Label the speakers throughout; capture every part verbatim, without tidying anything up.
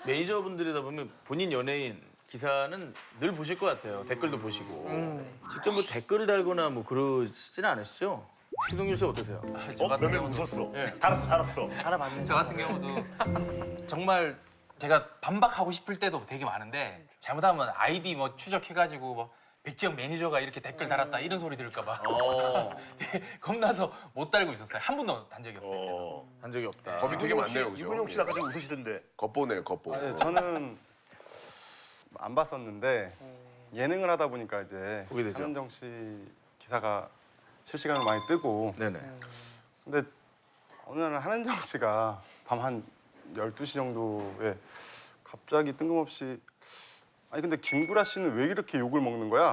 Speaker 1: 매니저분들이다 보면 본인 연예인 기사는 늘 보실 것 같아요. 댓글도 보시고.
Speaker 2: 음.
Speaker 1: 직접 뭐 댓글을 달거나 뭐 그러시지는 않으시죠? 최동률 씨 어떠세요?
Speaker 2: 저
Speaker 3: 어?
Speaker 2: 같은
Speaker 3: 몇명
Speaker 2: 경우도
Speaker 3: 웃었어.
Speaker 1: 예.
Speaker 3: 달았어, 달았어.
Speaker 1: 알아봤는데.
Speaker 2: 저 같은 경우도 정말 제가 반박하고 싶을 때도 되게 많은데 잘못하면 아이디 뭐 추적해가지고 뭐 백지영 매니저가 이렇게 댓글 달았다 이런 소리 들을까 봐
Speaker 1: 어,
Speaker 2: 겁나서 못 달고 있었어요. 한 번도 단 적이 없어요.
Speaker 3: 어.
Speaker 1: 한 적이 없다.
Speaker 4: 겁이 되게
Speaker 3: 이근용 씨,
Speaker 4: 많네요, 그죠?
Speaker 3: 이근용 씨 아까 좀 웃으시던데.
Speaker 4: 겉보네요, 겉보.
Speaker 5: 네, 저는 안 봤었는데 예능을 하다 보니까 이제
Speaker 1: 보게 되죠.
Speaker 5: 한은정 씨 기사가 실시간으로 많이 뜨고
Speaker 1: 네네.
Speaker 5: 근데 어느 날 한은정 씨가 밤 한 열두 시 정도에 갑자기 뜬금없이 아니 근데 김구라 씨는 왜 이렇게 욕을 먹는 거야?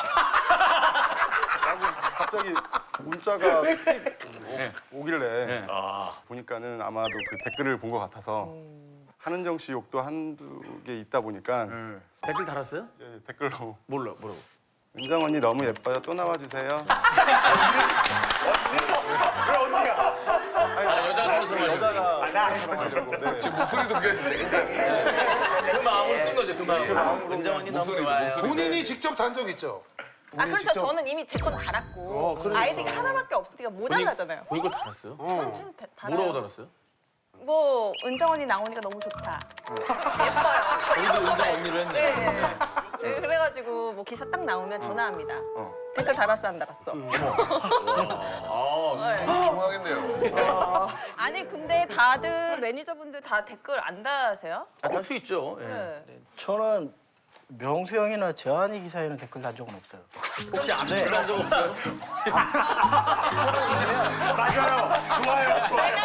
Speaker 5: 라고 갑자기 문자가 삑 오- 오길래
Speaker 1: 네.
Speaker 3: 아,
Speaker 5: 보니까는 아마도 그 댓글을 본 것 같아서 한은정 씨 욕도 한두 개 있다 보니까
Speaker 1: 네. 댓글 달았어요?
Speaker 5: 예, 댓글로
Speaker 1: 몰라, 뭐라고?
Speaker 5: 은정 언니 너무 예뻐요. 또 나와주세요.
Speaker 3: 왜 언니야?
Speaker 1: 아, 여자가 서로
Speaker 5: 여자가
Speaker 3: 아, 나 아니야.
Speaker 5: 네.
Speaker 4: 지금 목소리도 굉장히 세게.
Speaker 1: 그 마음으로 쓴 거죠, 그 마음으로. 은정언니 너무
Speaker 4: 목소리도,
Speaker 1: 좋아요.
Speaker 4: 목소리도.
Speaker 6: 본인이 직접 단 적 있죠?
Speaker 7: 아
Speaker 6: 본인이
Speaker 7: 그렇죠.
Speaker 6: 직접-
Speaker 7: 저는 이미 제 건 달았고
Speaker 6: 어, 그러니까.
Speaker 7: 아이디가 하나밖에 없으니까 모자라잖아요.
Speaker 1: 본인 걸 달았어요?
Speaker 7: 저는 좀 다- 달아요.
Speaker 1: 뭐라고 달았어요?
Speaker 7: 뭐 은정 언니 나오니까 너무 좋다. 예뻐요.
Speaker 1: 우리도 은정 언니로 했네.
Speaker 7: 네. 네, 그래가지고 뭐 기사 딱 나오면 전화합니다.
Speaker 1: 어.
Speaker 7: 댓글 달았어 안 달았어?
Speaker 1: 아,
Speaker 7: 네.
Speaker 4: 통하겠네요.
Speaker 7: 아니 근데 다들 매니저분들 다 댓글 안 달으세요?
Speaker 1: 아, 달 수 있죠. 예.
Speaker 7: 네.
Speaker 8: 저는 명수 형이나 재환이 기사에는 댓글 단 적은 없어요.
Speaker 1: 혹시 안 달한 적 없어요?
Speaker 3: 맞아요. 좋아요, 좋아요.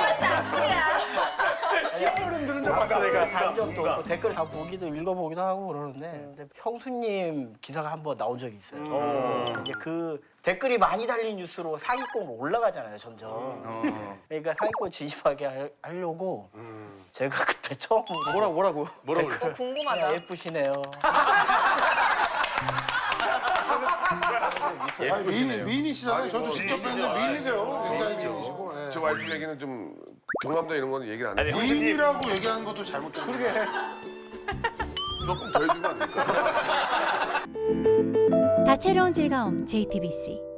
Speaker 8: 시어른들은 좀 봤으니까 단 적도 없고 댓글 다 보기도 읽어보기도 하고 그러는데 근데 형수님 기사가 한 번 나온 적이 있어요.
Speaker 3: 어.
Speaker 8: 이제 그 댓글이 많이 달린 뉴스로 상위권 올라가잖아요, 점점.
Speaker 1: 어.
Speaker 8: 그러니까 상위권 진입하게 할- 하려고 제가 그때 처음으로 뭐라고 뭐라고
Speaker 1: 뭐라고
Speaker 8: 댓글
Speaker 1: 그랬어요?
Speaker 7: 궁금하다.
Speaker 8: 그냥 예쁘시네요.
Speaker 6: 아니, 미인, 미인이시잖아요.
Speaker 4: 아니,
Speaker 6: 저도
Speaker 4: 뭐,
Speaker 6: 직접
Speaker 3: 미인이죠.
Speaker 6: 뵀는데 미인이세요.
Speaker 3: 아이,
Speaker 6: 굉장히
Speaker 3: 미인이죠.
Speaker 6: 미인이시고. 예.
Speaker 4: 저 와이프 얘기는 좀 경남도 이런 거는 얘기를 안
Speaker 3: 아니,
Speaker 4: 해요.
Speaker 3: 형수님.
Speaker 6: 미인이라고 얘기하는 것도 잘못된 거예요.
Speaker 4: 조금 더 해주면 안 될까?
Speaker 9: 다채로운 즐거움 제이티비씨